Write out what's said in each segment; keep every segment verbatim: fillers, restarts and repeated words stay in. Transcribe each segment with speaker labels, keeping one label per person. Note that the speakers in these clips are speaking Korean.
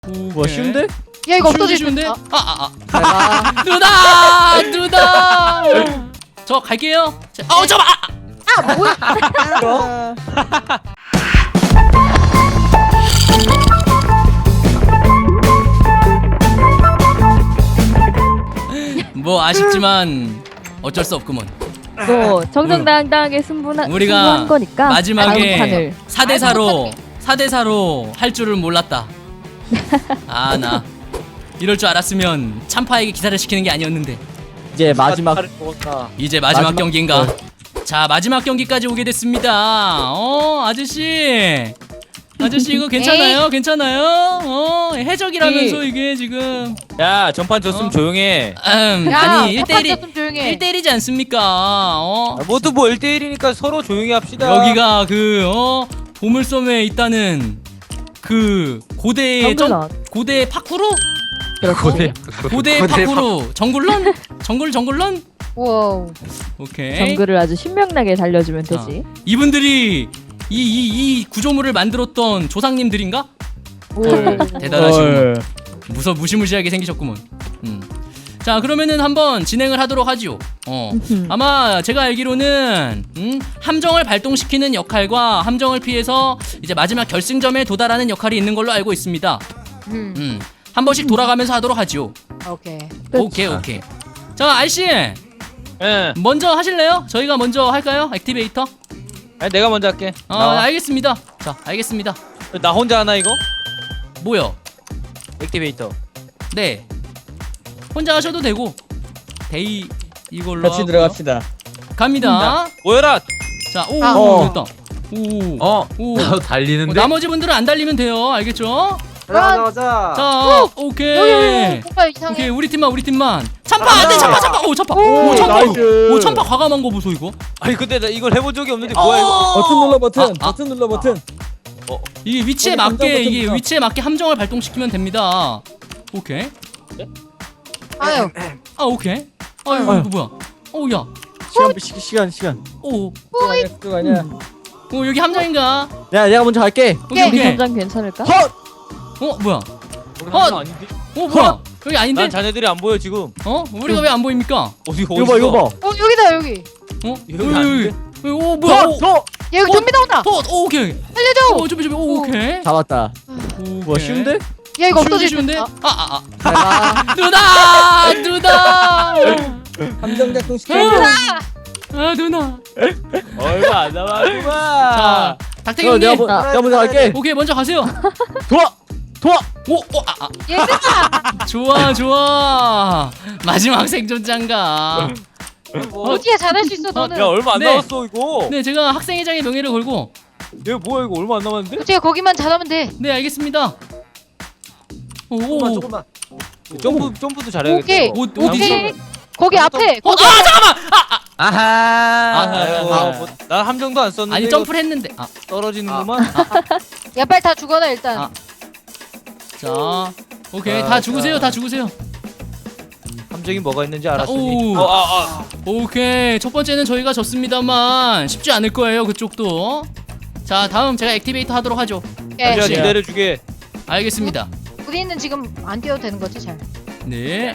Speaker 1: 뭐 쉬운데?
Speaker 2: 야 이거
Speaker 3: 쉬운데
Speaker 2: 없어질
Speaker 3: 쉬운데?
Speaker 2: 아,
Speaker 3: 아아아 아, 아. 누나 누나 저 갈게요. 자, 어 잠깐 아,
Speaker 2: 아 뭐야?
Speaker 3: 뭐 아쉽지만 어쩔 수 없구먼.
Speaker 4: 뭐 정정당당하게 승부한
Speaker 3: 우리가
Speaker 4: 승부한 거니까
Speaker 3: 마지막에
Speaker 4: 다음 판을
Speaker 3: 사 대 사로 사 대 사로 할 줄을 몰랐다. 아 나 이럴 줄 알았으면 참파에게 기사를 시키는 게 아니었는데.
Speaker 1: 이제 마지막
Speaker 3: 이제 마지막,
Speaker 1: 마지막-
Speaker 3: 경기인가?
Speaker 1: 네.
Speaker 3: 자 마지막 경기까지 오게 됐습니다. 어 아저씨 아저씨 이거 괜찮아요? 괜찮아요? 어 해적이라면서 이게 지금
Speaker 5: 야 전판 졌으면
Speaker 3: 어?
Speaker 5: 조용해.
Speaker 3: 음,
Speaker 2: 야
Speaker 3: 아니 일 대
Speaker 2: 일
Speaker 3: 일이
Speaker 2: 좀 조용해.
Speaker 3: 일 대 일이지 않습니까? 어
Speaker 5: 아, 모두 뭐 일 대 일이니까 서로 조용히 합시다.
Speaker 3: 여기가 그 어 보물섬에 있다는 그 고대의 점
Speaker 4: 정글런
Speaker 3: 고대 파쿠르?
Speaker 5: 고대.
Speaker 3: 고대 파쿠르 정글런? 정글 정글런?
Speaker 2: 와우.
Speaker 3: 오케이.
Speaker 4: 정글을 아주 신명나게 달려주면
Speaker 3: 자,
Speaker 4: 되지.
Speaker 3: 이분들이 이 이 이 구조물을 만들었던 조상님들인가?
Speaker 4: 오.
Speaker 3: 대단하시구먼.
Speaker 1: 헐.
Speaker 3: 무서 무시무시하게 생기셨구먼. 음. 자 그러면은 한번 진행을 하도록 하지요. 어. 아마 제가 알기로는 음, 함정을 발동시키는 역할과 함정을 피해서 이제 마지막 결승점에 도달하는 역할이 있는 걸로 알고 있습니다.
Speaker 2: 음.
Speaker 3: 음. 한 번씩 돌아가면서 하도록 하지요.
Speaker 2: 오케이.
Speaker 4: 그치.
Speaker 3: 오케이 오케이. 자 알씨
Speaker 5: 예.
Speaker 3: 먼저 하실래요? 저희가 먼저 할까요? 액티베이터?
Speaker 5: 아니, 내가 먼저 할게.
Speaker 3: 어
Speaker 5: 나와.
Speaker 3: 알겠습니다. 자 알겠습니다.
Speaker 5: 나 혼자 하나 이거?
Speaker 3: 뭐요?
Speaker 5: 액티베이터.
Speaker 3: 네. 혼자 하셔도 되고 데이 이걸로
Speaker 1: 같이
Speaker 3: 하고요.
Speaker 1: 들어갑시다.
Speaker 3: 갑니다.
Speaker 5: 모여라.
Speaker 3: 자, 오,
Speaker 2: 아.
Speaker 3: 오, 됐다. 오,
Speaker 6: 어?
Speaker 3: 오.
Speaker 6: 나도
Speaker 3: 어,
Speaker 6: 달리는데?
Speaker 3: 나머지 분들은 안 달리면 돼요. 알겠죠?
Speaker 2: 가자
Speaker 1: 가자.
Speaker 3: 자, 오케이.
Speaker 2: 여기 여기 뭔가 이상해.
Speaker 3: 오케이, 우리 팀만, 우리 팀만. 참파 안 돼, 참파, 참파. 오, 참파.
Speaker 1: 오,
Speaker 3: 오, 참파.
Speaker 1: 나이스.
Speaker 3: 오, 참파 과감한 거 보소 이거.
Speaker 5: 아니 근데 나 이걸 해본 적이 없는데 뭐야 이거?
Speaker 3: 어.
Speaker 1: 버튼 눌러 버튼.
Speaker 3: 아, 아.
Speaker 1: 버튼 눌러 버튼.
Speaker 3: 이게 위치에
Speaker 1: 여기
Speaker 3: 맞게
Speaker 1: 감정
Speaker 3: 이게
Speaker 1: 버튼이다.
Speaker 3: 위치에 맞게 함정을 발동시키면 됩니다. 오케이.
Speaker 2: 아유.
Speaker 3: 아, 오케이. 아유,
Speaker 1: 아유.
Speaker 3: 이거 뭐야? 오, 야.
Speaker 1: 시간 시, 시간 시간.
Speaker 3: 오,
Speaker 1: 그거 아니야. 그거 아니야.
Speaker 3: 오 여기 함정인가?
Speaker 1: 야 내가 먼저 갈게.
Speaker 3: 오케이,
Speaker 4: 우리
Speaker 3: 오케이.
Speaker 4: 현장 괜찮을까?
Speaker 1: 헛.
Speaker 3: 어, 뭐야?
Speaker 5: 우리
Speaker 3: 어.
Speaker 5: 함정 아닌데?
Speaker 3: 어, 뭐야? 여기 아닌데?
Speaker 5: 난 자네들이 안 보여 지금.
Speaker 3: 어? 우리가 왜 안 보입니까?
Speaker 5: 어디 어디?
Speaker 1: 이거 봐 이거 봐.
Speaker 2: 어 여기다 여기.
Speaker 3: 어?
Speaker 5: 여기 아닌데?
Speaker 3: 오 뭐야? 오,
Speaker 1: 더 더.
Speaker 2: 야 여기
Speaker 3: 어?
Speaker 2: 좀비 나온다.
Speaker 3: 더, 오, 오케이.
Speaker 2: 살려줘.
Speaker 3: 오, 준비 준비. 오, 오케이.
Speaker 1: 잡았다.
Speaker 3: 오,
Speaker 1: 뭐 쉬운데?
Speaker 2: 야 이거
Speaker 3: 쉬운데
Speaker 2: 없어질
Speaker 3: 쉬운데?
Speaker 2: 텐데.
Speaker 3: 아, 아,
Speaker 1: 내가
Speaker 3: 아. 누나! 누나!
Speaker 1: 함정 작동 시켜.
Speaker 3: 아, 누나.
Speaker 5: 얼마 안 남았구만.
Speaker 3: 자, 닥터기
Speaker 1: 어, 내가
Speaker 3: 형님.
Speaker 1: 뭐- 내가 먼저 갈게.
Speaker 3: 오케이, 먼저 가세요.
Speaker 1: 도와. 도와.
Speaker 3: 오, 오, 아, 아.
Speaker 2: 얘들아.
Speaker 3: 좋아, 좋아. 마지막 생존자인가?
Speaker 5: 뭐,
Speaker 2: 어디야 잘할 수 있어 너는.
Speaker 5: 야 얼마 안
Speaker 3: 네.
Speaker 5: 남았어 이거.
Speaker 3: 네, 제가 학생회장의 명예를 걸고.
Speaker 5: 얘 뭐야 이거 얼마 안 남았는데?
Speaker 2: 어떻게 거기만 잘하면 돼.
Speaker 3: 네, 알겠습니다. 오, 오, 오.
Speaker 5: 점프 점프도 잘해야겠다.
Speaker 2: 오케이.
Speaker 5: 이거.
Speaker 3: 어, 어디지?
Speaker 2: 오케이. 거기 앞에.
Speaker 3: 어,
Speaker 2: 거기
Speaker 3: 아, 잠깐만. 아, 아.
Speaker 6: 아하.
Speaker 5: 아이고,
Speaker 3: 아,
Speaker 5: 뭐, 난 함정도 안 썼는데
Speaker 3: 아니,
Speaker 5: 이거
Speaker 3: 점프를 했는데. 아.
Speaker 5: 떨어지는구만.
Speaker 2: 야 빨리 다 죽어라 일단.
Speaker 3: 아. 자, 오케이.
Speaker 5: 아,
Speaker 3: 다 죽으세요.
Speaker 5: 자.
Speaker 3: 다 죽으세요.
Speaker 5: 함정이 뭐가 있는지 알았으니.
Speaker 3: 오.
Speaker 5: 어, 아, 아.
Speaker 3: 오케이. 첫 번째는 저희가 졌습니다만 쉽지 않을 거예요. 그쪽도. 자, 다음 제가 액티베이터 하도록 하죠.
Speaker 2: 오케이.
Speaker 5: 제가
Speaker 3: 네.
Speaker 5: 기다려주게.
Speaker 3: 알겠습니다.
Speaker 2: 우리는 지금 안 뛰어도 되는 거지 잘.
Speaker 3: 네.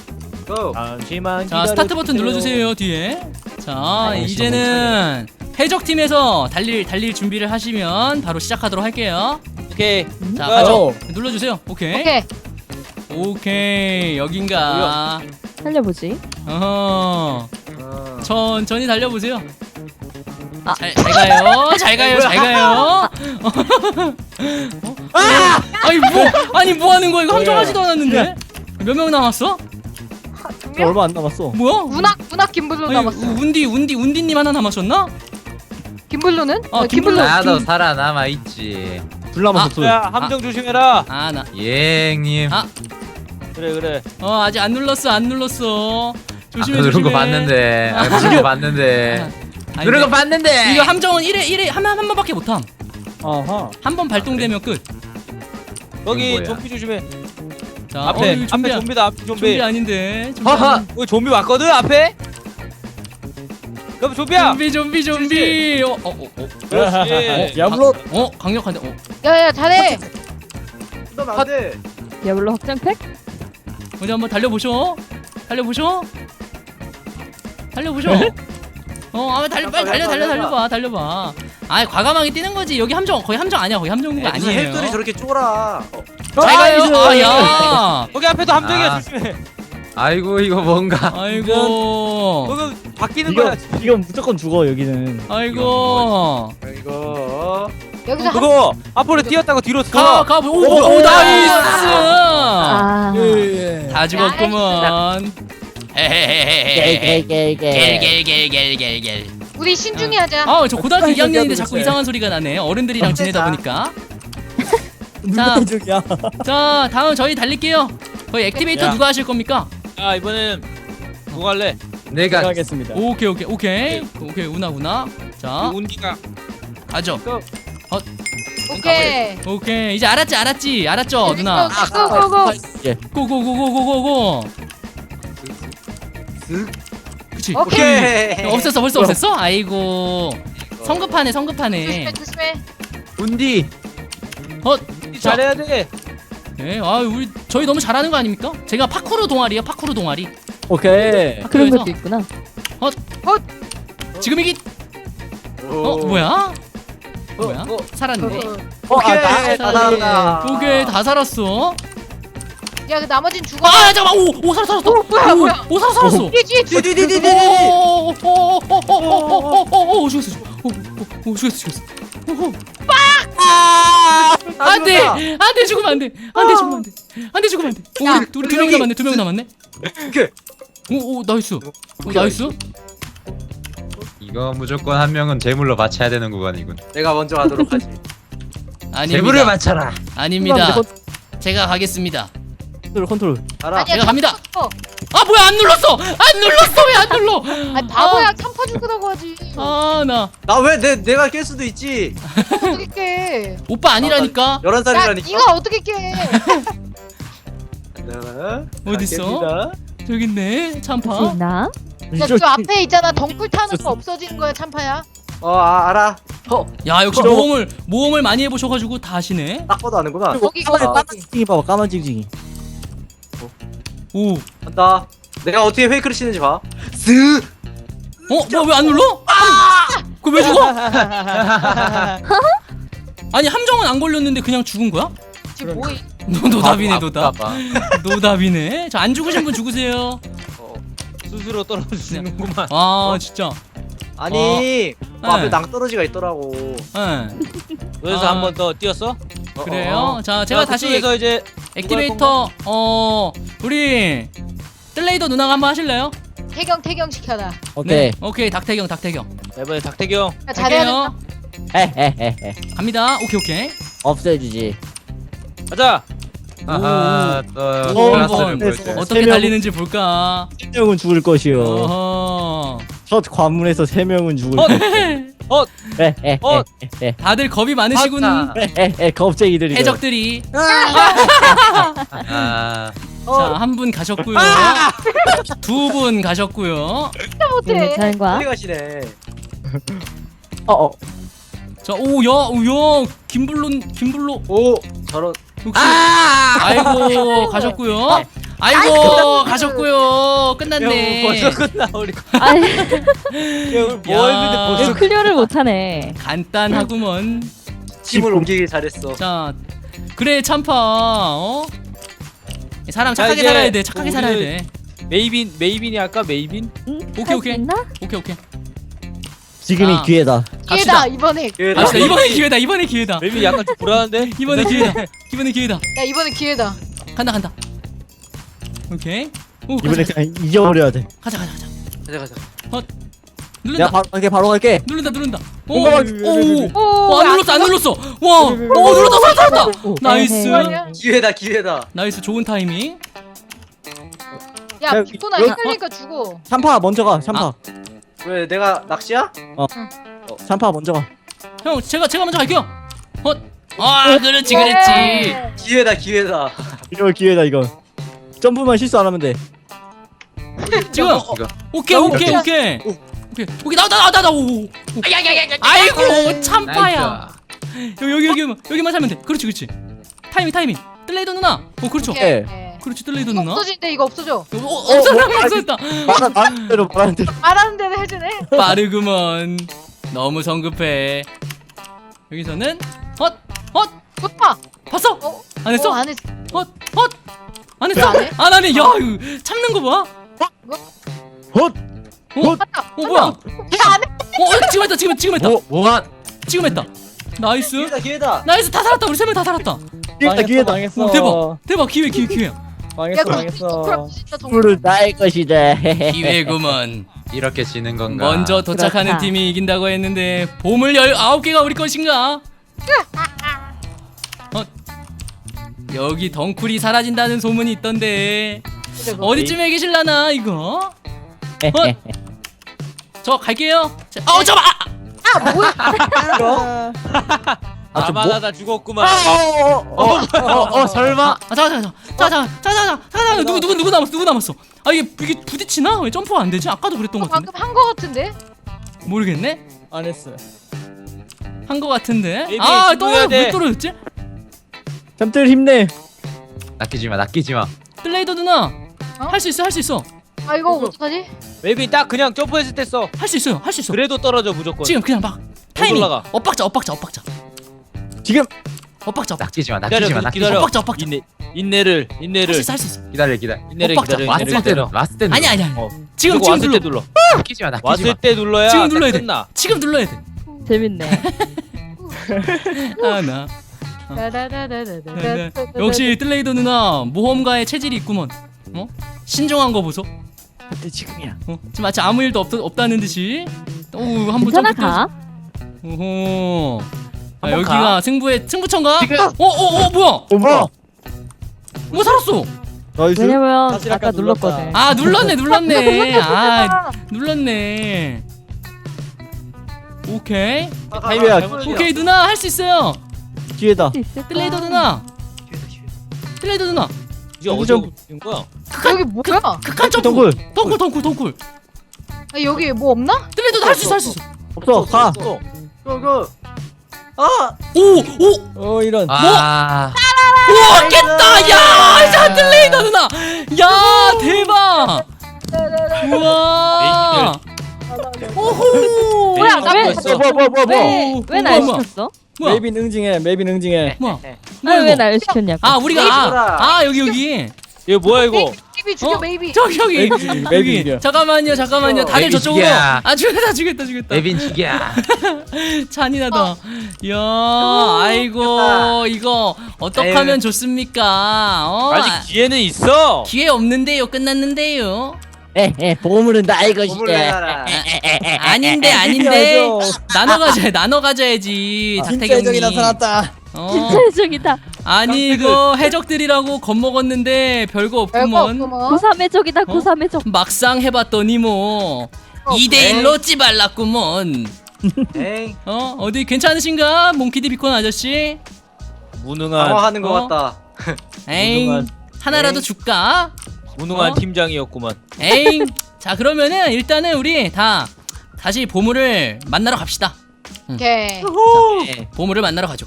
Speaker 5: 잠시만.
Speaker 3: 자, 스타트 버튼 눌러주세요. 뒤에. 자, 이제는 해적팀에서 달릴 달릴 준비를 하시면 바로 시작하도록 할게요.
Speaker 5: 오케이.
Speaker 3: 자,
Speaker 5: 어.
Speaker 3: 가죠. 눌러주세요. 오케이.
Speaker 2: 오케이.
Speaker 3: 오케이. 여긴가.
Speaker 4: 살려보지.
Speaker 3: 어허.
Speaker 5: 어.
Speaker 3: 천천히 달려보세요.
Speaker 4: 아.
Speaker 3: 잘, 잘 가요. 잘 가요. 잘 가요. 어? 아! 아니 뭐 아니 뭐 하는 거야? 이거 함정하지도 않았는데. 몇 명 남았어?
Speaker 1: 저 얼마 안 남았어.
Speaker 3: 뭐야?
Speaker 2: 문학 문학 김블루
Speaker 3: 아니,
Speaker 2: 남았어.
Speaker 3: 우- 운디 운디 운디님 하나 남았었나?
Speaker 2: 김블루는?
Speaker 3: 어,
Speaker 2: 어,
Speaker 3: 김블루.
Speaker 2: 김블루.
Speaker 6: 나도 살아남아 있지.
Speaker 1: 둘 남았어
Speaker 3: 아,
Speaker 1: 둘.
Speaker 5: 야 함정 조심해라.
Speaker 3: 아 나.
Speaker 6: 예행님.
Speaker 3: 아.
Speaker 5: 그래 그래.
Speaker 3: 어 아직 안 눌렀어 안 눌렀어. 조심해
Speaker 6: 누른
Speaker 3: 조심해.
Speaker 6: 거 봤는데. 아, 누른 거 봤는데.
Speaker 3: 아니,
Speaker 6: 누른 거
Speaker 3: 근데
Speaker 6: 봤는데.
Speaker 3: 이거 함정은 일회일회한 한 번밖에 못 함.
Speaker 1: 아하.
Speaker 3: 한 번 발동되면 끝.
Speaker 5: 여기
Speaker 6: 뭐야?
Speaker 5: 좀비 조심해.
Speaker 3: 자,
Speaker 5: 앞에
Speaker 3: 어, 이거
Speaker 5: 앞에
Speaker 3: 좀비,
Speaker 5: 좀비다 앞에
Speaker 3: 좀비
Speaker 5: 좀비.
Speaker 3: 아닌데. 좀비
Speaker 6: 허허.
Speaker 3: 아닌-
Speaker 5: 어 좀비 왔거든 앞에. 그럼 좀비야.
Speaker 3: 좀비 좀비 좀비. 어, 어, 어, 어.
Speaker 5: 그렇지.
Speaker 1: 야물로.
Speaker 3: 어, 강력한데. 어.
Speaker 2: 야야 잘해.
Speaker 1: 안돼.
Speaker 4: 디아블로 확장팩?
Speaker 3: 어디 한번 달려보쇼. 달려보쇼. 달려보쇼. 어, 아, 달려, 빨리 달려, 달려, 달려봐, 달려봐. 아, 과감하게 뛰는 거지. 여기 함정, 거의 함정 아니야, 거의 함정구가
Speaker 5: 무슨
Speaker 3: 아니에요.
Speaker 5: 헬들이 저렇게 쫄아.
Speaker 3: 잘 가요. 아, 야.
Speaker 1: 거기 앞에도 함정이야
Speaker 6: 아.
Speaker 1: 조심해.
Speaker 6: 아이고 이거 뭔가.
Speaker 3: 아이고.
Speaker 1: 거기 바뀌는
Speaker 7: 이거
Speaker 1: 거야.
Speaker 7: 이건 무조건 죽어 여기는.
Speaker 3: 아이고.
Speaker 5: 이거.
Speaker 2: 여기서 한
Speaker 1: 그거 앞으로 뛰었다가 뒤로
Speaker 3: 가,
Speaker 1: 돌아.
Speaker 3: 가, 오, 오, 오, 나이스.
Speaker 4: 아.
Speaker 7: 예.
Speaker 3: 다 죽었구먼.
Speaker 7: 겔겔겔겔.
Speaker 3: 겔겔겔겔겔겔.
Speaker 2: 우리 신중히 하자.
Speaker 3: 아, 저 고등학교
Speaker 7: 빨리
Speaker 3: 이 학년인데
Speaker 7: 얘기하고
Speaker 3: 자꾸
Speaker 7: 있어요.
Speaker 3: 이상한 소리가 나네. 어른들이랑 지내다 보니까.
Speaker 7: 누가 죽이야?
Speaker 3: 자, 다음 저희 달릴게요. 거의 액티베이터
Speaker 1: 야.
Speaker 3: 누가 하실 겁니까?
Speaker 1: 아 이번에는 누가 할래?
Speaker 6: 내가
Speaker 7: 하겠습니다.
Speaker 3: 오케이, 오케이, 오케이. 오케이, 우나, 우나. 자,
Speaker 1: 운기가
Speaker 3: 가죠.
Speaker 2: 오케이.
Speaker 3: 오케이. 이제 알았지, 알았지. 알았죠, 누나.
Speaker 2: 고고고.
Speaker 7: 예.
Speaker 3: 고고고고고고고. 그치.
Speaker 2: 오케이.
Speaker 5: 오케이.
Speaker 3: 없앴어, 벌써 없앴어? 아이고. 성급하네, 성급하네.
Speaker 2: 조심해 조심해.
Speaker 6: 운디.
Speaker 3: 어, 자,
Speaker 1: 잘해야 돼.
Speaker 3: 네, 아, 우리 저희 너무 잘하는 거 아닙니까? 제가 파쿠르 동아리야, 파쿠르 동아리.
Speaker 7: 오케이.
Speaker 4: 그런
Speaker 3: 학교에서
Speaker 4: 것도 있구나.
Speaker 3: 지금 이기. 어, 뭐야? 뭐야?
Speaker 5: 어,
Speaker 3: 살았네.
Speaker 5: 오케이.
Speaker 7: 아, 나-
Speaker 5: 다 나온다.
Speaker 3: 오케이, 다 살았어.
Speaker 2: 야, 그 나머진 죽어.
Speaker 3: 아, 잠깐만. 오, 오, 살았어, 살았어.
Speaker 2: 뭐야,
Speaker 3: 오,
Speaker 2: 뭐야.
Speaker 3: 오, 살았어, 살았어.
Speaker 2: 뒤뒤.
Speaker 5: 디디디디디디.
Speaker 3: 오, 오, 오, 오, 오, 오, 오, 오, 오, 죽었어, 죽었어. 오, 오, 오, 죽었어, 죽었어. 오, 오. 안 돼! 안 돼, 죽으면 안 돼! 안 돼, 죽으면 안 돼! 안 돼, 죽으면 안 돼! 오,
Speaker 2: 야,
Speaker 3: 우리 두 명 남았네, 두 명 남았네?
Speaker 5: 오케이.
Speaker 3: 오, 오, 나이스. 오, 나이스.
Speaker 6: 이거 무조건 한 명은 재물로 바쳐야 되는 구간이군.
Speaker 5: 내가 먼저 하도록 하지.
Speaker 6: 재물을
Speaker 3: 아닙니다.
Speaker 6: 바쳐라.
Speaker 3: 아닙니다. 제가 가겠습니다.
Speaker 7: 컨트롤 컨트롤.
Speaker 5: 알아.
Speaker 2: 아니야.
Speaker 3: 제가 갑니다.
Speaker 2: 어.
Speaker 3: 아, 뭐야, 안 눌렀어! 안 눌렀어! 왜 안 눌러?
Speaker 2: 아니 바보야. 참파 죽으라고 하지.
Speaker 3: 아, 나.
Speaker 5: 나 왜 내 내가 깰 수도 있지.
Speaker 2: 어떻게 깨?
Speaker 3: 오빠 아니라니까?
Speaker 5: 열한
Speaker 2: 야,
Speaker 5: 살이라니까.
Speaker 2: 네가 어떻게 깨?
Speaker 3: 어딨어? 저기 있네, 참파.
Speaker 4: 혹시 있나?
Speaker 2: 야, 저 앞에 있잖아. 덩굴 타는 거 없어지는 거야, 참파야.
Speaker 5: 어, 아, 알아. 어,
Speaker 3: 야, 역시
Speaker 7: 저-
Speaker 3: 모험을, 모험을 많이 해보셔가지고 다 아시네.
Speaker 5: 딱 봐도 아는구나.
Speaker 2: 거기
Speaker 7: 까만
Speaker 2: 거기.
Speaker 7: 까만 징징이 봐봐 까만 징징이.
Speaker 3: 오.
Speaker 5: 간다. 내가 어떻게 페이크를 치는지 봐. 쓱.
Speaker 3: 어? 뭐야, 왜 안 눌러? 그거 왜 죽어? 아니, 함정은 안 걸렸는데 그냥 죽은 거야?
Speaker 2: 지금 뭐해?
Speaker 3: 노, 노답이네, 노답.
Speaker 6: 봐봐.
Speaker 3: 노답이네. 저 안 죽으신 분 죽으세요.
Speaker 5: 어.
Speaker 1: 스스로 떨어지는구만.
Speaker 3: 아, 진짜.
Speaker 5: 아니, 그
Speaker 3: 네.
Speaker 5: 앞에 낭떠러지가 있더라고.
Speaker 3: 예.
Speaker 1: 그래서
Speaker 3: 아.
Speaker 1: 한 번 더 뛰었어?
Speaker 5: 어,
Speaker 3: 그래요?
Speaker 5: 어, 어.
Speaker 3: 자, 제가
Speaker 1: 자,
Speaker 3: 다시
Speaker 1: 그쪽에서 이제
Speaker 3: 액티베이터, 어, 우리, 뜰레이더 누나가 한번 하실래요?
Speaker 2: 태경 태경 시켜라.
Speaker 7: 오케이.
Speaker 3: 네. 오케이, 닥태경, 닥태경.
Speaker 1: 이번에 닥태경.
Speaker 2: 야, 잘해야
Speaker 3: 갈게요.
Speaker 2: 된다.
Speaker 7: 헤헤헤헤.
Speaker 3: 갑니다. 오케이, 오케이.
Speaker 7: 없애주지.
Speaker 1: 가자.
Speaker 6: 아하 또
Speaker 3: 오,
Speaker 6: 클라스를
Speaker 3: 한번
Speaker 6: 보여줘.
Speaker 3: 어떻게
Speaker 7: 세 명-
Speaker 3: 달리는지 볼까?
Speaker 7: 세 명은 죽을 것이요.
Speaker 3: 어허.
Speaker 7: 첫 관문에서 세 명은 죽을
Speaker 1: 어,
Speaker 7: 것이요.
Speaker 1: 어,
Speaker 7: 헤헤헤헤.
Speaker 1: 어.
Speaker 3: 다들 겁이 많으시군.
Speaker 6: 맞다.
Speaker 7: 헤헤헤. 겁쟁이들이.
Speaker 3: 해적들이.
Speaker 6: 아,
Speaker 3: 자, 한 분 가셨고요. 두 분 가셨고요.
Speaker 4: 네,
Speaker 2: 못해.
Speaker 4: 괜찮은 거야?
Speaker 5: 어디 가시네.
Speaker 7: 어어.
Speaker 3: 자, 오, 야, 오, 야, 김블로, 김블로.
Speaker 5: 오, 저런.
Speaker 3: 혹시 아이고 가셨고요. 아이고 가셨고요. 끝났네.
Speaker 1: 벌써 끝나 우리.
Speaker 4: 아니,
Speaker 1: 뭐 했는데
Speaker 3: 야.
Speaker 1: 벌써
Speaker 4: 이거 클리어를 못하네.
Speaker 3: 간단하구먼.
Speaker 5: 짐을 옮기길 잘했어.
Speaker 3: 자, 그래 참파. 어? 사람
Speaker 1: 자,
Speaker 3: 착하게
Speaker 1: 이제
Speaker 3: 살아야 돼. 착하게
Speaker 1: 우리는-
Speaker 3: 살아야 돼.
Speaker 1: 메이빈 메이빈이 할까 메이빈?
Speaker 4: 응?
Speaker 3: 오케이,
Speaker 4: 할수
Speaker 3: 오케이.
Speaker 4: 있나?
Speaker 3: 오케이 오케이.
Speaker 7: 지금이
Speaker 3: 아.
Speaker 7: 기회다.
Speaker 3: 갑시다.
Speaker 2: 기회다 이번에.
Speaker 5: 기회다.
Speaker 3: 갑시다. 이번에 기회다. 이번에 기회다.
Speaker 1: 메이빈 약간 좀 불안한데?
Speaker 3: 이번에 기회다. 이번에 기회다.
Speaker 2: 야, 이번에 기회다.
Speaker 3: 간다 간다. 오케이. 오, 가자,
Speaker 7: 이번에 그냥 이겨버려야 돼.
Speaker 3: 가자 가자 가자.
Speaker 5: 가자 가자.
Speaker 3: 누른다.
Speaker 7: 내가 바로 갈게 바로 갈게.
Speaker 3: 누른다 누른다. 오,
Speaker 7: 뭔가-
Speaker 3: 오, 오.
Speaker 2: 오,
Speaker 3: 어, 안 눌렀어 안 눌렀어. 와, 오 눌렀다 살았다. 나이스.
Speaker 2: 아니야?
Speaker 5: 기회다, 기회다.
Speaker 3: 나이스 좋은 타이밍.
Speaker 2: 야,
Speaker 7: 자,
Speaker 2: 비코나
Speaker 7: 여기-
Speaker 2: 헷갈리니까 죽어.
Speaker 7: 참파 먼저 가. 참파.
Speaker 5: 왜 내가 낚시야?
Speaker 7: 참파 먼저 가.
Speaker 3: 형 제가 제가 먼저 갈게요. 어, 아 그렇지 그랬지.
Speaker 5: 기회다, 기회다.
Speaker 7: 이거 기회다 이거. 점프만 실수 안 하면 돼.
Speaker 3: 지금
Speaker 6: 이거
Speaker 3: 오케이 오케이 오케이
Speaker 5: 오.
Speaker 3: 오케이 오케이 나나 나 나 나 오. 아이고 참파야. 여기 여기 여기 여기만 여기만 살면 돼. 그렇지 그렇지. 타이밍 타이밍. 뜰레이더 누나. 어 그렇죠.
Speaker 2: 오케이.
Speaker 3: 그렇지 뜰레이더
Speaker 2: 이거
Speaker 3: 누나.
Speaker 2: 없어진대 이거 없어져.
Speaker 3: 어, 어, 없어졌다
Speaker 7: 뭐,
Speaker 3: 없어졌다.
Speaker 7: 말한 말한 대로 말하는 대로.
Speaker 2: 말하는 대로 해주네.
Speaker 3: 빠르구먼. 너무 성급해. 여기서는 헛 헛.
Speaker 2: 오빠.
Speaker 3: 봤어?
Speaker 2: 어?
Speaker 3: 안 했어?
Speaker 2: 어, 안 했어.
Speaker 3: 헛 헛. 안 했어?
Speaker 2: 왜 안 해?
Speaker 3: 안 하네. 야 이거 참는 거 봐.
Speaker 7: 헛.
Speaker 3: 어?
Speaker 2: 맞다.
Speaker 3: 어 뭐야? 어
Speaker 2: 야, 안 해.
Speaker 3: 지금 했다 지금 했다 지금 했다
Speaker 6: 뭐 뭐한?
Speaker 3: 지금 했다. 나이스.
Speaker 5: 기회다 기회다.
Speaker 3: 나이스 다 살았다. 우리 세 명 다 살았다.
Speaker 7: 기회다 기회다.
Speaker 5: 망했어.
Speaker 3: 오, 대박 대박 기회 기회 기회.
Speaker 2: 야,
Speaker 5: 망했어
Speaker 2: 그럼
Speaker 5: 망했어.
Speaker 2: 진짜 정말.
Speaker 7: 불을 나의 것이다.
Speaker 3: 기회구먼.
Speaker 6: 이렇게 지는 건가?
Speaker 3: 먼저 도착하는
Speaker 4: 그렇다.
Speaker 3: 팀이 이긴다고 했는데 보물 열아홉 개가 우리 것인가? 어? 여기 덩쿨이 사라진다는 소문이 있던데 어디쯤에 계실라나 이거? 어? 저 갈게요. 자, 어 잠깐.
Speaker 2: 아, 뭐야?
Speaker 7: 아, 좀 뭐-
Speaker 1: 아마가 다 죽었구만.
Speaker 6: 어어 설마?
Speaker 3: 아 잠깐 잠깐 잠깐 잠깐 잠깐 잠깐 잠깐 누구 누구 누구 남았어 누구 남았어? 아 이게 이게 부딪히나? 왜 점프가 안 되지? 아까도 그랬던 것 같은데.
Speaker 2: 방금 한 거 같은데?
Speaker 3: 모르겠네.
Speaker 5: 안 했어.
Speaker 3: 한 것 같은데.
Speaker 1: 에이비,
Speaker 3: 아또
Speaker 1: 신고해야 돼.
Speaker 3: 왜 떨어졌지?
Speaker 7: 잠들 힘내.
Speaker 6: 낚이지 마 낚이지 마.
Speaker 3: 블레이더 누나
Speaker 2: 어?
Speaker 3: 할 수 있어 할 수 있어
Speaker 2: 아, 이거 어떡하지?
Speaker 1: 메이빈 딱 그냥 점프했을 때 써.
Speaker 3: 할 수 있어요 할 수 있어.
Speaker 1: 그래도 떨어져 무조건.
Speaker 3: 지금 그냥 막 타이밍
Speaker 1: 올라가.
Speaker 3: 엇박자 엇박자 엇박자
Speaker 7: 지금
Speaker 3: 엇박자 엇박자
Speaker 6: 낚이지 마
Speaker 1: 기다려
Speaker 6: 낚이지 마
Speaker 1: 기다려.
Speaker 6: 낚이지
Speaker 1: 기다려.
Speaker 3: 엇박자 엇박자.
Speaker 1: 인내 인내를
Speaker 3: 할 수
Speaker 1: 인내를
Speaker 3: 있어 할 수 있어.
Speaker 6: 마. 기다려 기다려.
Speaker 1: 인내를
Speaker 3: 엇박자.
Speaker 1: 기다려.
Speaker 6: 왔을
Speaker 1: 인내를
Speaker 6: 때로
Speaker 1: 기다려.
Speaker 6: 왔을 때
Speaker 3: 아니 아니 아니
Speaker 1: 어.
Speaker 3: 지금
Speaker 1: 그리고
Speaker 3: 지금
Speaker 1: 왔을
Speaker 3: 눌러
Speaker 1: 때 눌러.
Speaker 6: 낚이지 마 낚이지
Speaker 1: 왔을
Speaker 6: 마.
Speaker 1: 때 눌러야
Speaker 3: 지금
Speaker 1: 딱
Speaker 3: 눌러야 돼.
Speaker 1: 끝나.
Speaker 3: 지금 눌러야 돼.
Speaker 4: 재밌네.
Speaker 3: 아나
Speaker 2: 다다다다다다다.
Speaker 3: 역시 뜰레이더 누나 모험가의 체질이 있구먼. 어? 신중한 거 보소.
Speaker 7: 그때 지금이야.
Speaker 3: 어? 지금 마치 아무 일도 없, 없다는 듯이. 오 한번
Speaker 4: 괜찮아
Speaker 3: 점프
Speaker 4: 가.
Speaker 3: 오호. 아,
Speaker 1: 한번
Speaker 3: 여기가
Speaker 1: 가.
Speaker 3: 승부의 승부처인가?
Speaker 6: 지금.
Speaker 3: 어어어 뭐야?
Speaker 7: 어머.
Speaker 3: 뭐 살았어?
Speaker 7: 나이스.
Speaker 4: 왜냐면
Speaker 5: 사실
Speaker 4: 아까
Speaker 5: 아까
Speaker 4: 눌렀거든.
Speaker 3: 아 눌렀네 눌렀네. 아
Speaker 2: 아,
Speaker 3: 눌렀네. 오케이
Speaker 7: 타이밍이야.
Speaker 3: 오케이 누나 할 수 있어요.
Speaker 7: 기회다.
Speaker 3: 뜰레이더 누나. 뜰레이더 누나.
Speaker 1: 이게
Speaker 7: 여기
Speaker 1: 어디
Speaker 7: 좀-
Speaker 1: 온 거야?
Speaker 2: 여기 뭐야?
Speaker 3: 극한 점프.
Speaker 7: 덩굴.
Speaker 3: 덩굴 덩굴 덩굴.
Speaker 2: 아, 여기 뭐 없나?
Speaker 3: 뜰레이더 할 수 있어 할 수 있어.
Speaker 7: 없어. 가.
Speaker 1: 어.
Speaker 5: 고고. 아.
Speaker 3: 오오
Speaker 5: 어 이런.
Speaker 6: 아
Speaker 3: 우와 깼다. 야 자, 뜰레이더 누나. 야 대박. 우와. 오호.
Speaker 2: 뭐야, 나 왜-
Speaker 1: 했어?
Speaker 7: 뭐 뭐 뭐 뭐.
Speaker 3: 오,
Speaker 4: 왜날
Speaker 3: 뭐야,
Speaker 4: 시켰어?
Speaker 3: 뭐야?
Speaker 5: 메이빈 응징해. 메이빈 응징해.
Speaker 3: 뭐야?
Speaker 4: 아왜날 시켰냐고.
Speaker 3: 아 우리가 아, 아 여기 여기
Speaker 1: 이거 뭐야 이거?
Speaker 2: 메이비 죽여,
Speaker 3: 어?
Speaker 2: 메이비.
Speaker 3: 저기 여기
Speaker 5: 메이비 죽여, 메이비
Speaker 3: 여기
Speaker 5: 죽여.
Speaker 3: 잠깐만요 잠깐만요 다들
Speaker 6: 메이비
Speaker 3: 저쪽으로
Speaker 6: 죽여.
Speaker 3: 아 죽였다 죽였다 죽였다
Speaker 6: 에빈 죽이야.
Speaker 3: 잔인하다 이야 아이고 이거 어떡하면
Speaker 6: 에휴.
Speaker 3: 좋습니까 어?
Speaker 1: 아직 기회는 있어.
Speaker 3: 기회 없는데요 끝났는데요
Speaker 7: 에에 보물은 나의 것이다.
Speaker 3: 아닌데 아닌데 나눠 가져 나눠 가져야지
Speaker 5: 진짜 해적이
Speaker 3: 닭태경님
Speaker 5: 나타났다.
Speaker 3: 어
Speaker 4: 진짜 해적이다.
Speaker 3: 아니 이거 해적들이라고 겁먹었는데 별거
Speaker 2: 별거
Speaker 3: 없구먼
Speaker 2: 없구먼.
Speaker 4: 고삼 해적이다.
Speaker 3: 어?
Speaker 4: 고삼 해적.
Speaker 3: 막상 해봤더니 뭐
Speaker 2: 어,
Speaker 3: 이 대 일로 찌발랐구먼
Speaker 5: 에이.
Speaker 3: 어 어디 괜찮으신가 몽키디 비콘 아저씨
Speaker 1: 무능한
Speaker 5: 당황하는 것
Speaker 3: 어?
Speaker 5: 같다.
Speaker 3: 에잉
Speaker 1: 무능한-
Speaker 3: 하나라도
Speaker 5: 에잉.
Speaker 3: 줄까
Speaker 1: 무능한
Speaker 3: 어?
Speaker 1: 팀장이었구만.
Speaker 3: 에잉 자 그러면은 일단은 우리 다 다시 보물을 만나러 갑시다
Speaker 2: 오케이.
Speaker 3: 네, 보물을 만나러 가죠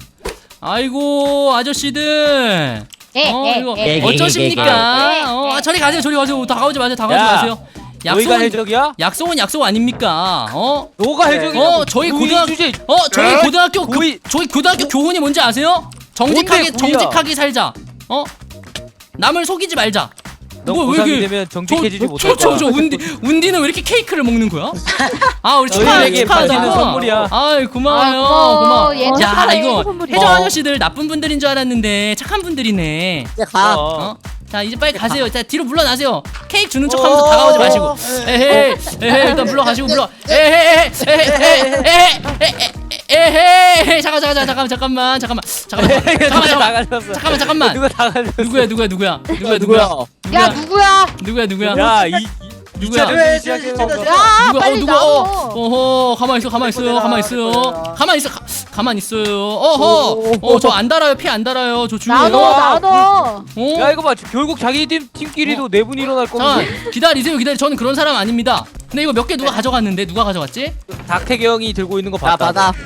Speaker 3: 아이고 아저씨들
Speaker 2: 에,
Speaker 3: 어
Speaker 2: 에,
Speaker 3: 이거
Speaker 2: 에,
Speaker 7: 에,
Speaker 3: 어쩌십니까
Speaker 2: 에, 에,
Speaker 3: 어
Speaker 2: 에.
Speaker 3: 저리 가세요 저리 가세요 다 가오지 마세요 다 가오지
Speaker 1: 야,
Speaker 3: 마세요
Speaker 1: 너희가
Speaker 3: 약속은
Speaker 1: 해적이야?
Speaker 3: 약속은 약속 아닙니까 어
Speaker 1: 너가
Speaker 5: 네.
Speaker 1: 해적이야?
Speaker 3: 어, 저희 고등학-
Speaker 1: 주제.
Speaker 3: 어 저희
Speaker 1: 에?
Speaker 3: 고등학교 교,
Speaker 1: 고이-
Speaker 3: 저희 고등학교 교훈이 뭔지 아세요? 정직하게
Speaker 1: 뭔데, 고이야?
Speaker 3: 정직하게 살자. 어? 남을 속이지 말자.
Speaker 1: 너
Speaker 3: 뭐, 왜
Speaker 1: 고삼이
Speaker 3: 이렇게-
Speaker 1: 되면 정직해지지 못할 거야.
Speaker 3: 저저 저 운디 운디는 왜 이렇게 케이크를 먹는 거야? 아 우리 축하
Speaker 1: 너희에게
Speaker 3: 축하하자.
Speaker 1: 받는 선물이야.
Speaker 3: 아이 고마워요.
Speaker 2: 아, 고마워.
Speaker 3: 고마워.
Speaker 2: 얘
Speaker 3: 야
Speaker 2: 착하네.
Speaker 3: 이거
Speaker 4: 선물이야.
Speaker 3: 해적 아저씨들 나쁜 분들인 줄 알았는데 착한 분들이네.
Speaker 7: 이제 가.
Speaker 1: 어.
Speaker 3: 어? 자 이제 빨리 가세요. 자 뒤로 물러나세요. 케이크 주는 척하면서 다가오지 마시고. 에헤이 에헤이 일단 물러가시고 물러. 에헤이 에헤이 에헤이 에헤이 잠깐 잠깐 잠깐 잠깐만 잠깐만 잠깐만 잠깐만 잠깐만
Speaker 1: 나가셨어.
Speaker 3: 잠깐만 잠깐만
Speaker 1: 누가 나가셨어?
Speaker 3: 누구야 누구야 누구야 누구야
Speaker 7: 누구야?
Speaker 3: 누구야
Speaker 2: 야, 누구야?
Speaker 3: 누구야 누구야
Speaker 1: 야, 이
Speaker 3: 누구야
Speaker 5: 왜
Speaker 1: 시작해
Speaker 5: 진짜
Speaker 1: 먹어.
Speaker 2: 야,
Speaker 3: 누가 어
Speaker 2: 빨리
Speaker 3: 누가
Speaker 2: 나와.
Speaker 3: 어 어허 가만 있어 가만 있어요 가만 있어요
Speaker 5: 내꺼내라.
Speaker 3: 가만 있어 가, 가만 있어요 어허 어 저 안 달아요 피 안 달아요 저
Speaker 2: 나눠,
Speaker 3: 조용해요
Speaker 2: 나눠.
Speaker 3: 어
Speaker 1: 야 이거 봐. 결국 자기 팀 팀끼리도 내분 일어날 거면서.
Speaker 3: 잠깐 기다리세요 기다리 저는 그런 사람 아닙니다 근데 이거 몇 개 누가 가져갔는데 누가 가져갔지
Speaker 1: 닥태경이 들고 있는 거
Speaker 7: 나
Speaker 1: 봤다.
Speaker 7: 받아.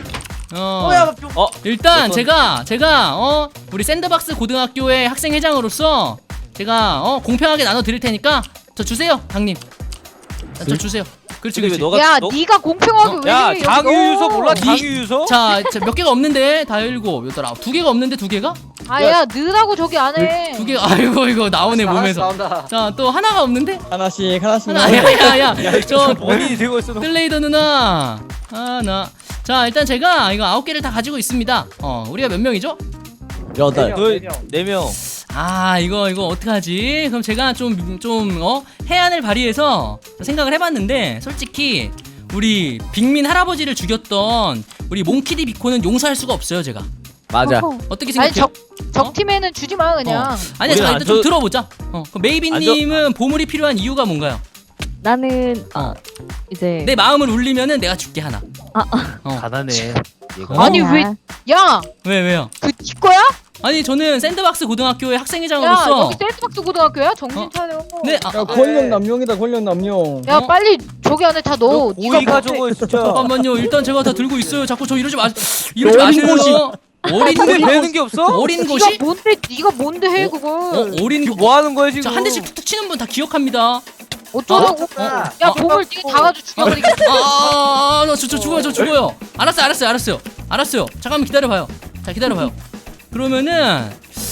Speaker 3: 어.
Speaker 5: 뭐야?
Speaker 1: 어
Speaker 3: 일단
Speaker 1: 어떤-
Speaker 3: 제가 제가 어 우리 샌드박스 고등학교의 학생 회장으로서 제가 어 공평하게 나눠 드릴 테니까 저 주세요, 강님. 자, 저 주세요. 그렇지,
Speaker 1: 근데 왜
Speaker 3: 그렇지.
Speaker 1: 너가
Speaker 2: 야
Speaker 1: 너,
Speaker 2: 네가 공평하게 왜
Speaker 1: 야
Speaker 2: 해, 여기서?
Speaker 1: 장유유서 몰라
Speaker 3: 니-
Speaker 1: 장유유서?
Speaker 3: 자, 자, 몇 개가 없는데 다 일곱, 여덟, 아홉. 두 개가 없는데 두 개가?
Speaker 2: 아야 느라고 저기 안해
Speaker 3: 두 개가. 아이고 이거 나오네 몸에서.
Speaker 5: 나온다.
Speaker 3: 자, 또 하나가 없는데?
Speaker 7: 하나씩 하나씩.
Speaker 3: 하나. 야야야. 저
Speaker 1: 본인이 들고 있어.
Speaker 3: 뜰레이더 누나 하나. 자, 일단 제가 이거 아홉 개를 다 가지고 있습니다. 어, 우리가 몇 명이죠?
Speaker 7: 여덟.
Speaker 1: 네 명.
Speaker 3: 아, 이거 이거 어떡하지? 그럼 제가 좀 좀 어 해안을 발휘해서 생각을 해봤는데 솔직히 우리 빅민 할아버지를 죽였던 우리 몽키디 비코는 용서할 수가 없어요, 제가.
Speaker 7: 맞아.
Speaker 4: 어허.
Speaker 3: 어떻게
Speaker 2: 아니
Speaker 3: 생각해요?
Speaker 2: 적, 적 팀에는 주지 마 그냥
Speaker 3: 아니야,
Speaker 1: 우리는
Speaker 3: 자,
Speaker 1: 안
Speaker 3: 일단 좀
Speaker 1: 줘-
Speaker 3: 들어보자. 어, 그럼 메이비님은 보물이 필요한 이유가 뭔가요?
Speaker 4: 나는 어,
Speaker 3: 어.
Speaker 4: 이제
Speaker 3: 내 마음을 울리면은 내가 줄게 하나.
Speaker 4: 아,
Speaker 3: 어.
Speaker 1: 가난해.
Speaker 3: 어?
Speaker 2: 아니 왜 야!
Speaker 3: 왜 왜요?
Speaker 2: 그 네 거야?
Speaker 3: 아니 저는 샌드박스 고등학교의
Speaker 2: 야
Speaker 3: 학생회장으로서
Speaker 2: 여기 샌드박스 고등학교야? 정신
Speaker 3: 어?
Speaker 2: 차려
Speaker 3: 네, 아,
Speaker 8: 야 권력 남용이다 권력 남용.
Speaker 2: 야
Speaker 3: 어?
Speaker 2: 빨리 저기 안에 다 넣어
Speaker 1: 오이가 저거 진짜.
Speaker 3: 잠깐만요. 일단 제가 다 들고 있어요. 자꾸 저 이러지 마. 이러지
Speaker 7: 어린
Speaker 3: 마세요. 어린
Speaker 1: 근데
Speaker 3: 곳이
Speaker 1: 배는 게 없어?
Speaker 3: 어린
Speaker 2: 네가
Speaker 3: 곳이
Speaker 2: 뭔데 네가 뭔데 해
Speaker 3: 어,
Speaker 2: 그걸
Speaker 3: 어린
Speaker 1: 지금
Speaker 3: 곳.
Speaker 1: 뭐 하는 거야 지금?
Speaker 3: 자, 한 대씩 툭툭 치는 분 다 기억합니다.
Speaker 2: 어쩌라고
Speaker 3: 어?
Speaker 2: 야 보물 네가 다 가지고 죽여버리겠다
Speaker 3: 아, 아, 아, 저, 저 죽어요. 저 죽어요. 알았어요. 알았어요. 알았어요. 알았어요. 잠깐만 기다려 봐요. 자, 기다려 봐요. 그러면은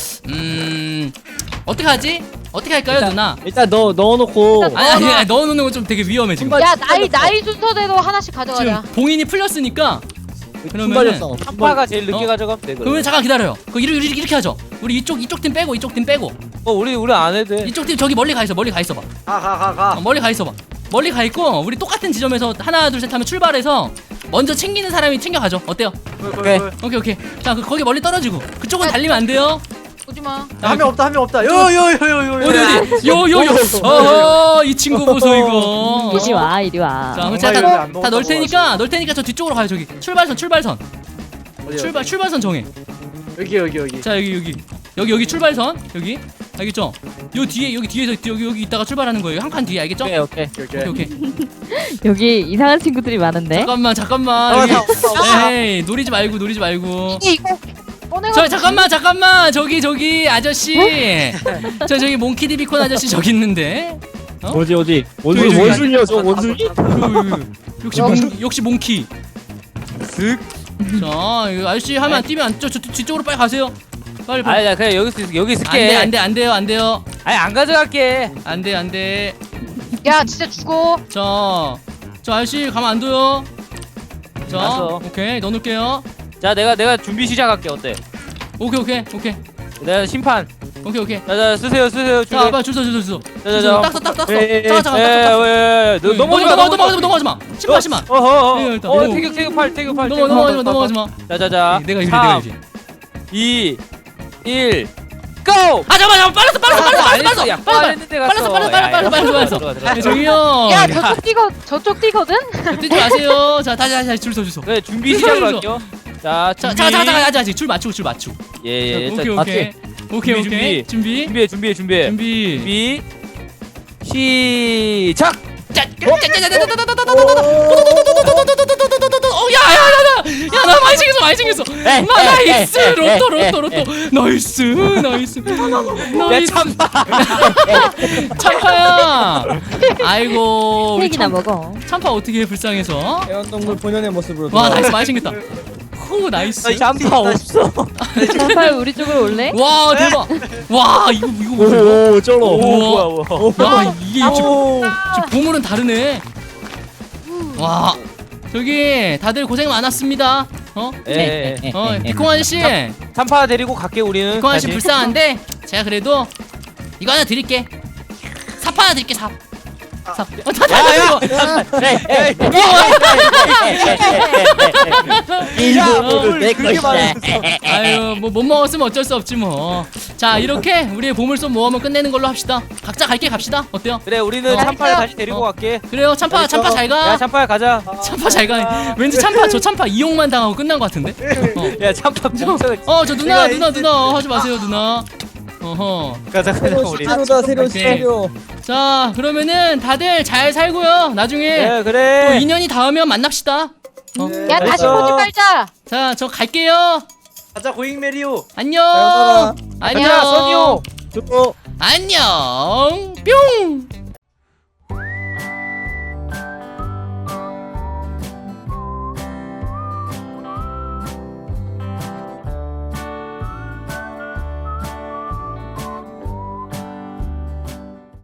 Speaker 3: 음 어떻게 하지? 어떻게 할까요,
Speaker 7: 일단-
Speaker 3: 누나?
Speaker 7: 일단 넣어 넣어놓고.
Speaker 2: 일단
Speaker 3: 아니, 아니, 아니 넣어 놓는 건 좀 되게 위험해 지금.
Speaker 2: 야 나이 나이 순서대로 하나씩 가져가자
Speaker 3: 지금 봉인이 풀렸으니까 그러면은
Speaker 7: 순발력성.
Speaker 1: 한파가 제일 늦게
Speaker 3: 어?
Speaker 1: 가져가면 돼.
Speaker 3: 그러면 잠깐 기다려요. 그 이렇게, 이렇게 이렇게 하죠. 우리 이쪽 이쪽 팀 빼고 이쪽 팀 빼고
Speaker 1: 어 우리 우리 안 해도 돼.
Speaker 3: 이쪽 팀 저기 멀리 가 있어. 멀리 가 있어 봐.
Speaker 5: 가 가 가 가.
Speaker 3: 어, 멀리 가 있어 봐. 멀리 가 있고 우리 똑같은 지점에서 하나 둘 셋 하면 출발해서 먼저 챙기는 사람이 챙겨가죠. 어때요?
Speaker 7: 오케이.
Speaker 3: 오케이 오케이. 자, 그 거기 멀리 떨어지고 그쪽은 달리면 안 돼요.
Speaker 2: 오지마
Speaker 3: 자,
Speaker 5: 한 명 없다 한 명 없다. 요요요요요.
Speaker 3: 어디 어디? 요요요. 어허, 이 친구 보소 이거.
Speaker 4: 이리 와 이리 와.
Speaker 3: 자, 그럼
Speaker 5: 엄마
Speaker 3: 제가
Speaker 5: 이름이
Speaker 3: 다,
Speaker 5: 안
Speaker 3: 다
Speaker 5: 먹었다고
Speaker 3: 넣을 테니까 넣을 테니까 저 뒤쪽으로 가요. 저기 출발선 출발선
Speaker 5: 어디야?
Speaker 3: 출발 출발선 정해.
Speaker 5: 여기 여기 여기.
Speaker 3: 자, 여기 여기 여기 여기 출발선 여기 알겠죠? 요 뒤에 여기 뒤에서 여기 여기 있다가 출발하는 거예요. 한 칸 뒤에 알겠죠?
Speaker 7: 오케이 오케이.
Speaker 5: 오케이
Speaker 3: 오케이
Speaker 5: 오케이.
Speaker 3: 오케이.
Speaker 4: 여기 이상한 친구들이 많은데.
Speaker 3: 잠깐만 잠깐만.
Speaker 5: 아,
Speaker 3: 여기,
Speaker 5: 나 없다.
Speaker 3: 에이 노리지 말고 노리지 말고.
Speaker 2: 이게 이거 꺼내가
Speaker 3: 저 잠깐만 잠깐만 저기 저기 아저씨. 저 저기 몽키디 비콘 아저씨 저기 있는데. 어?
Speaker 7: 어디 어디?
Speaker 3: 저기,
Speaker 7: 원숭이
Speaker 3: 저기.
Speaker 7: 원숭이야 저 원숭이?
Speaker 3: 그, 역시 몽 역시 몽키. 슥. 자, 이거 아저씨 하면 안 뛰면 안, 저, 저 뒤쪽으로 빨리 가세요. 빨리 빨리.
Speaker 1: 아니 나 그냥 여기 있 여기 있을게.
Speaker 3: 안돼 안돼 안 돼요 안 돼요
Speaker 1: 아니 안 가져갈게.
Speaker 3: 안돼 안돼.
Speaker 2: 야 진짜 죽어
Speaker 3: 자, 저 아저씨 가면 안 돼요. 자,
Speaker 1: 알았어.
Speaker 3: 오케이 넣어놓을게요.
Speaker 1: 자 내가 내가 준비 시작할게 어때?
Speaker 3: 오케이 오케이 오케이
Speaker 1: 내가 심판.
Speaker 3: 오케이 오케이.
Speaker 1: 자자 쓰세요 쓰세요.
Speaker 3: 자,
Speaker 1: 준비.
Speaker 3: 빨리 줄서 줄서 줄서.
Speaker 1: 자자자.
Speaker 3: 딱서 딱 딱서.
Speaker 1: 예, 예,
Speaker 3: 잠깐 잠깐
Speaker 1: 예,
Speaker 3: 딱 딱.
Speaker 1: 예, 예, 예. 넘어가지 마
Speaker 3: 넘어가지 마 넘어가지 마. 신발 신발.
Speaker 1: 어허.
Speaker 3: 예,
Speaker 1: 어,
Speaker 3: 일단.
Speaker 1: 어
Speaker 3: 오.
Speaker 1: 태격 태격 팔 태격 팔.
Speaker 3: 넘어 넘어가지 마 넘어가지 마.
Speaker 1: 자자자.
Speaker 3: 내가 이래 내가 이래.
Speaker 1: 이 일 고!
Speaker 3: 아 잠깐만 잠깐만 빨랐어 빨랐어 빨랐어 빨랐어
Speaker 1: 야,
Speaker 3: 빨랐어
Speaker 1: 빨랐는데 갔어.
Speaker 3: 빨랐어 빨랐어 빨랐어 빨랐어 빨랐어
Speaker 1: 들어가, 들어가,
Speaker 3: 빨랐어.
Speaker 1: 들어가.
Speaker 3: 저기요.
Speaker 2: 야 저쪽 뛰거 저쪽 뛰거든
Speaker 3: 뛰지 마세요. 자 다시 다시 다시 줄서 줄서.
Speaker 1: 그래 준비 시작을 할게요. 자
Speaker 3: 자
Speaker 1: 준비.
Speaker 3: 잠깐 잠깐 잠깐 아직 아직 줄 맞추고 줄 맞추고.
Speaker 1: 예예.
Speaker 3: 오케이
Speaker 1: 자,
Speaker 3: 오케이 오케이
Speaker 1: 준비,
Speaker 3: 오케이 준비
Speaker 1: 준비해 준비해 준비해.
Speaker 3: 준비.
Speaker 1: 준비 시작.
Speaker 3: 야야야야야야나 많이 챙겼어 많이 챙겼어. 마 나이스 로또 로또 로또 나이스 나이스
Speaker 1: 야
Speaker 3: 나이스
Speaker 1: 참다.
Speaker 3: 참파야. 아이고 우리
Speaker 4: 케이크나
Speaker 3: 참,
Speaker 4: 먹어.
Speaker 3: 참파 어떻게 해 불쌍해서.
Speaker 8: 애완동물 본연의 모습으로.
Speaker 3: 와 나이스 많이 챙겼다. 후 나이스.
Speaker 1: 참다 없어.
Speaker 4: 빨리 우리 쪽으로 올래?
Speaker 3: 와 대박. 와 이거 이거 뭐야?
Speaker 7: 오 쩔어.
Speaker 1: 오 뭐야 뭐야.
Speaker 3: 야 이게 지금 지금 보물은 다르네. 와 저기 다들 고생 많았습니다. 어?
Speaker 1: 예. 예.
Speaker 3: 어 비콩 아저씨,
Speaker 1: 참파 데리고 갈게 우리는.
Speaker 3: 비콩 아저씨
Speaker 1: 다시.
Speaker 3: 불쌍한데 제가 그래도 이거 하나 드릴게. 삽 하나 드릴게 삽. 삽. 어, 다
Speaker 1: 야야.
Speaker 7: 일부를 내
Speaker 1: 그렇게
Speaker 7: 것이다.
Speaker 3: 아유 뭐 못 먹었으면 어쩔 수 없지 뭐. 자 이렇게 우리의 보물섬 모험을 끝내는 걸로 합시다. 각자 갈 길 갑시다. 어때요?
Speaker 1: 그래 우리는
Speaker 3: 어.
Speaker 1: 참파를 다시 데리고
Speaker 3: 어.
Speaker 1: 갈게.
Speaker 3: 그래요 참파 참파 잘
Speaker 1: 야
Speaker 3: 가.
Speaker 1: 참파야 가자.
Speaker 3: 참파 잘 가. 왠지 참파 저 참파 이용만 당하고 끝난 것 같은데. 어.
Speaker 1: 야 참파 멍청해.
Speaker 3: 어 저 누나 누나 누나 하지 마세요 누나. 어허.
Speaker 1: 가자 가자
Speaker 8: 새로
Speaker 1: 우리.
Speaker 8: 스타로다 새로
Speaker 3: 오케이.
Speaker 8: 스타로.
Speaker 3: 자 그러면은 다들 잘 살고요. 나중에
Speaker 1: 예
Speaker 3: 또
Speaker 1: 그래.
Speaker 3: 인연이 닿으면 만납시다. 어?
Speaker 2: 야 다시
Speaker 1: 알겠어.
Speaker 2: 보지 말자
Speaker 3: 자, 저 갈게요.
Speaker 5: 가자 고잉 메리오.
Speaker 3: 안녕.
Speaker 8: 가자,
Speaker 3: 안녕.
Speaker 1: 가자, 선이요.
Speaker 7: 저
Speaker 3: 안녕. 뿅.